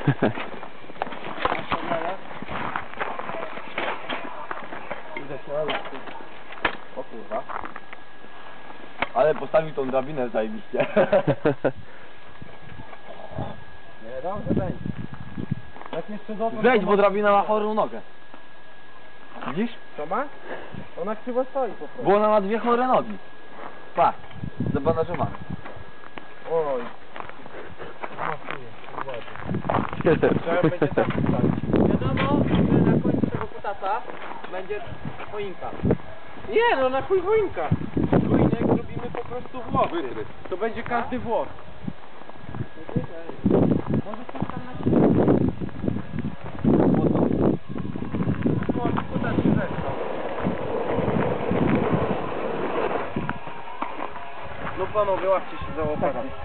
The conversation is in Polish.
O kurwa. Ale postawił tą drabinę zajebiście. Nie, dobrze będzie. Jak jeszcze dotąd... Wejdź, bo drabina ma chorą nogę. Widzisz? Co ma? Ona krzywo stoi po prostu. Bo ona ma dwie chore nogi. Patrz, zabandażowana. Oj. Trzeba będzie tak ustawić. Wiadomo, że na końcu tego kutasa będzie choinka. Nie, no na chuj choinka. Choinek zrobimy po prostu włosy. To będzie każdy włos. Może coś tam na siebie. Włos, kutas się zeszło. No panowie, łapcie się za łopatki.